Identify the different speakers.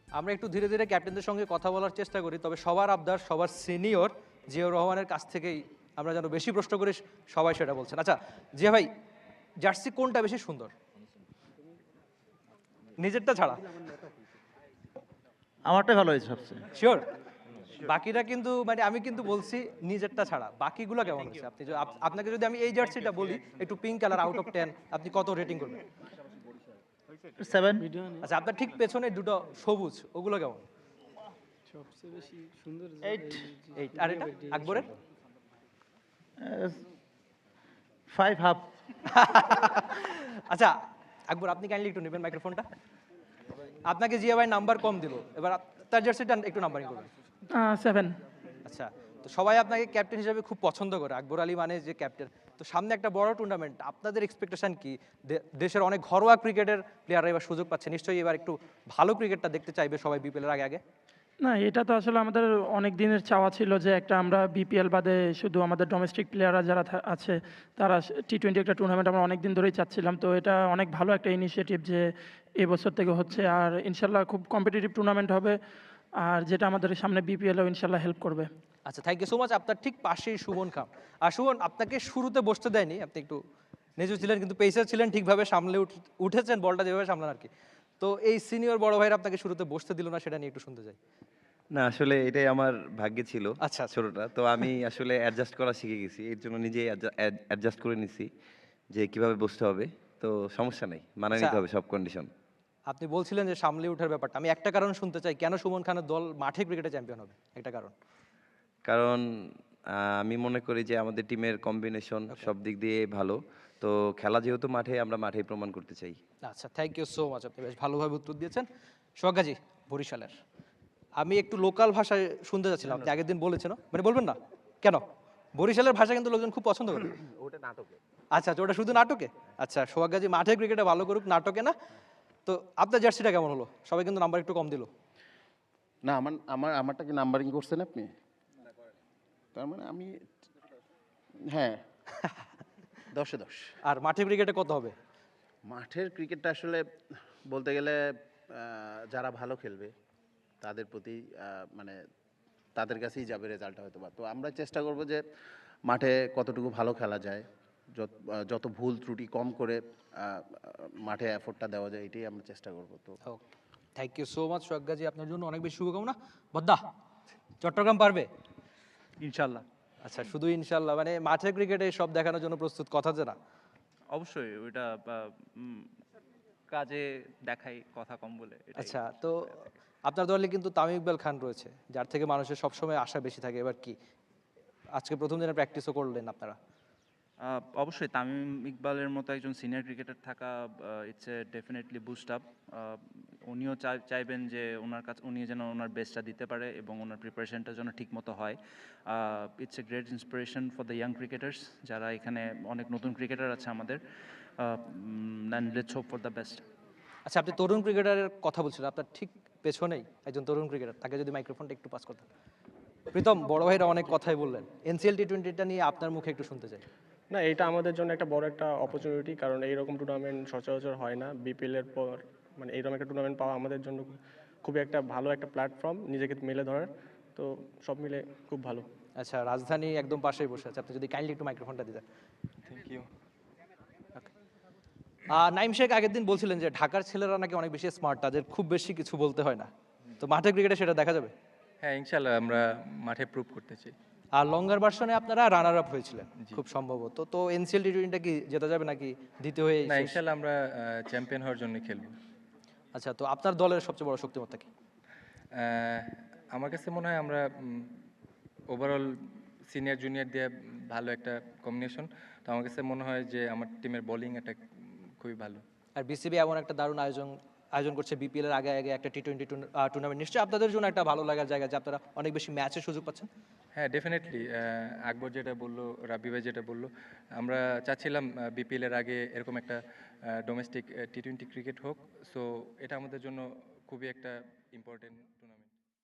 Speaker 1: আমরা একটু ধীরে ধীরে ক্যাপ্টেনদের সঙ্গে কথা বলার চেষ্টা করি, তবে সবার আবদার সবার সিনিয়র জিয়াউর রহমানের কাছ থেকেই আমরা যেন বেশি প্রশ্ন করি, সবাই সেটা বলছেন। আচ্ছা জিয়া ভাই, জার্সি কোনটা বেশি সুন্দর, নিজেরটা ছাড়া?
Speaker 2: আমারটাই ভালো হয়েছে সবচেয়ে।
Speaker 1: শিওর? বাকিটা কিন্তু মানে আমি কিন্তু বলছি নিজেরটা ছাড়া বাকিগুলো কেমন হয়েছে? আপনি আপনাকে যদি আমি এই জার্সিটা বলি একটু পিঙ্ক কালার, আউট অফ 10 আপনি কত রেটিং করবেন?
Speaker 2: 7।
Speaker 1: আচ্ছা, আপনার ঠিক পেছনে দুটো সবুজ, ওগুলো কেমন?
Speaker 3: সবচেয়ে বেশি সুন্দর
Speaker 2: 8।
Speaker 1: 8। আর এটা আকবরের?
Speaker 2: 5 হাফ।
Speaker 1: আচ্ছা আকবর, আপনি কাইন্ডলি একটু নেবেন মাইক্রোফোনটা। আপনাকে জিয়া ভাই নাম্বার কম দিল, এবার তার জার্সিটা একটু নাম্বারিং করবেন।
Speaker 3: 7।
Speaker 1: আচ্ছা, তো সবাই আপনাকে ক্যাপ্টেন হিসেবে খুব পছন্দ করে, আকবর আলী মানে যে ক্যাপ্টেন। তো সামনে একটা বড় টুর্নামেন্ট, আপনাদের এক্সপেকটেশন কি? দেশের অনেক ঘরোয়া ক্রিকেটের প্লেয়াররা এবার সুযোগ পাচ্ছে, নিশ্চয়ই এবার একটু ভালো ক্রিকেটটা দেখতে চাইবে সবাই বিপিএল এর আগে আগে।
Speaker 3: না, এটা তো আসলে আমাদের অনেক দিনের চাওয়া ছিল যে একটা আমরা বিপিএল বাদে শুধু আমাদের ডোমেস্টিক প্লেয়াররা যারা আছে তারা টি-20 একটা টুর্নামেন্ট আমরা অনেক দিন ধরেই চাচ্ছিলাম। তো এটা অনেক ভালো একটা ইনিশিয়েটিভ যে এবছর থেকে হচ্ছে, আর ইনশাল্লাহ খুব কম্পিটিটিভ টুর্নামেন্ট হবে, আর যেটা আমাদের সামনে বিপিএলও ইনশাল্লাহ হেল্প করবে।
Speaker 1: আচ্ছা, থ্যাংক ইউ সো মাচ। আপনার ঠিক পাশেই সুমন খাম। আর সুমন, আপনাকে শুরুতে বসতে দেয়নি, আপনি একটু নেজু ছিলেন, কিন্তু পেসার ছিলেন, ঠিকভাবে সামলে উঠেছেন বলটা যেভাবে সামলান আর কি। তো এই সিনিয়র বড় ভাইরা আপনাকে শুরুতে বসতে দিল না, সেটা নিয়ে একটু শুনতে চাই।
Speaker 4: না আসলে এটাই আমার ভাগ্যে ছিল।
Speaker 1: আচ্ছা, আচ্ছা।
Speaker 4: ছোটটা তো আমি আসলে অ্যাডজাস্ট করা শিখে গেছি, এর জন্য নিজেই অ্যাডজাস্ট করে নিছি যে কিভাবে বসতে হবে। তো সমস্যা নেই, মানায়
Speaker 1: আচ্ছা,
Speaker 4: নিতে হবে সব কন্ডিশন।
Speaker 1: আপনি বলছিলেন যে সামলে ওঠার ব্যাপারটা, আমি একটা কারণ শুনতে চাই, কেন সুমন খানের দল মাঠে ক্রিকেটে চ্যাম্পিয়ন হবে, একটা কারণ।
Speaker 4: কারণ আমি মনে করি যে আমাদের টিমের কম্বিনেশন সব দিক দিয়ে ভালো। তো খেলা যেহেতু মাঠে, আমরা মাঠেই প্রমাণ করতে চাই।
Speaker 1: আচ্ছা, থ্যাংক ইউ সো মাচ, আপনি বেশ ভালোভাবে উত্তর দিয়েছেন। সোহাগাজি, বরিশালের। আমি একটু লোকাল ভাষায় শুনতে যাচ্ছিলাম, আপনি আগের দিন বলেছেন, মানে বলবেন না কেন? বরিশালের ভাষা কিন্তু লোকজন খুব পছন্দ করে।
Speaker 4: ওটা নাটকে।
Speaker 1: আচ্ছা আচ্ছা, ওটা শুধু নাটকে? আচ্ছা, সোহাগাজি মাঠে ক্রিকেটে ভালো করুক, নাটকে না। তো আপনার জার্সিটা কেমন হলো? সবাই কিন্তু নাম্বার একটু কম দিল।
Speaker 5: না, আমারটা কি নাম্বারিং করছেন আপনি? তার মানে আমি, হ্যাঁ, 10-এ 10।
Speaker 1: আর মাঠে ক্রিকেটে কত হবে?
Speaker 5: মাঠের ক্রিকেটটা আসলে বলতে গেলে যারা ভালো খেলবে তাদের প্রতি মানে তাদের কাছেই যাবে রেজাল্টটা হয়তো বা। তো আমরা চেষ্টা করব যে মাঠে কতটুকু ভালো খেলা যায়, যত ভুল ত্রুটি কম করে মাঠে এফোর্টটা দেওয়া যায়, এটাই আমরা চেষ্টা করব। তো
Speaker 1: থ্যাংক ইউ সো মাচ সোহাগাজি, আপনার জন্য অনেক বেশি শুভকামনা। বদ্দা, চট্টগ্রাম পারবে?
Speaker 6: ইনশাল্লাহ।
Speaker 1: আচ্ছা, শুধু ইনশাল্লাহ মানে মাঠে ক্রিকেটে সব দেখানোর জন্য প্রস্তুত, কথা যে না?
Speaker 6: অবশ্যই ওইটা কাজে দেখাই কথা কম বলে এটাই।
Speaker 1: আচ্ছা, তো আপনার দলে কিন্তু তামিম ইকবাল খান রয়েছে, যার থেকে মানুষের সবসময় আশা বেশি থাকে। এবার কি আজকে প্রথম দিনে প্র্যাকটিসও করলেন আপনারা?
Speaker 6: অবশ্যই তামিম ইকবালের মতো একজন সিনিয়র ক্রিকেটার থাকা it's a definitely boost up. উনিও চাইবেন যে উনি যেন ওনার বেস্টটা দিতে পারে এবং ওনার প্রিপারেশনটা যেন ঠিক মতো হয়। It's a great inspiration for the young cricketers, যারা এখানে অনেক নতুন ক্রিকেটার আছে আমাদের। Let's hope for the best.
Speaker 1: আচ্ছা, আপনি তরুণ ক্রিকেটারের কথা বলছিলেন, আপনার ঠিক পেছনেই একজন তরুণ ক্রিকেটার, তাকে যদি মাইক্রোফোনটা একটু পাস করতেন। প্রীতম, বড় ভাইরা অনেক কথাই বললেন, এনসিএল টি20টা নিয়ে আপনার মুখে একটু শুনতে চাই।
Speaker 7: না, এটা আমাদের জন্য একটা বড় একটা অপরচুনিটি, কারণ এইরকম টুর্নামেন্ট সচরাচর হয় না। বিপিএল এর পর মানে এইরকম একটা টুর্নামেন্ট পাওয়া আমাদের জন্য খুবই একটা ভালো একটা প্ল্যাটফর্ম নিজেকে মেলে ধরার। তো সব মিলে খুব ভালো।
Speaker 1: আচ্ছা, রাজধানী একদম পাশেই বসে আছে, আপনি যদি কাইন্ডলি একটু মাইক্রোফোনটা দিতেন।
Speaker 7: Thank you.
Speaker 1: নাইম শেখ আগের দিন বলছিলেন যে ঢাকার ছেলেরা নাকি অনেক বেশি স্মার্ট, তাদের খুব বেশি কিছু বলতে হয় না। তো মাঠে ক্রিকেটে সেটা দেখা যাবে?
Speaker 8: হ্যাঁ, ইনশাল্লাহ আমরা মাঠে প্রুভ করতে চাই।
Speaker 1: আর লঙ্গার ভার্সনে আপনারা রানার আপ হয়েছিলেন খুব সম্ভবত। তো এনসিএল টি20টা কি জেতা যাবে নাকি দ্বিতীয় হয়ে
Speaker 8: না,
Speaker 1: শেষ?
Speaker 8: ইনশাল্লাহ আমরা চ্যাম্পিয়ন হওয়ার জন্য খেলবো।
Speaker 1: আচ্ছা, তো আপনার দলের সবচেয়ে বড় শক্তিমত্তা কি?
Speaker 8: আমার কাছে মনে হয় আমরা ওভারঅল সিনিয়র জুনিয়র দিয়ে ভালো একটা কম্বিনেশন। তো আমার কাছে মনে হয় যে আমার টিমের বোলিং অ্যাটাক খুবই ভালো।
Speaker 1: আর বিসিবি এমন একটা দারুণ আয়োজন করছে বিপিএল এর আগে আগে একটা টি20 টুর্নামেন্ট, নিশ্চয়ই আপনাদের জন্য একটা ভালো লাগার জায়গা যে আপনারা অনেক বেশি ম্যাচের সুযোগ পাচ্ছেন।
Speaker 8: হ্যাঁ, ডেফিনেটলি। আকবর যেটা বললো, রাব্বি ভাই যেটা বললো, আমরা চাচ্ছিলাম বিপিএল এর আগে এরকম একটা ডোমেস্টিক টি-20 ক্রিকেট হোক। সো এটা আমাদের জন্য খুবই একটা ইম্পর্টেন্ট।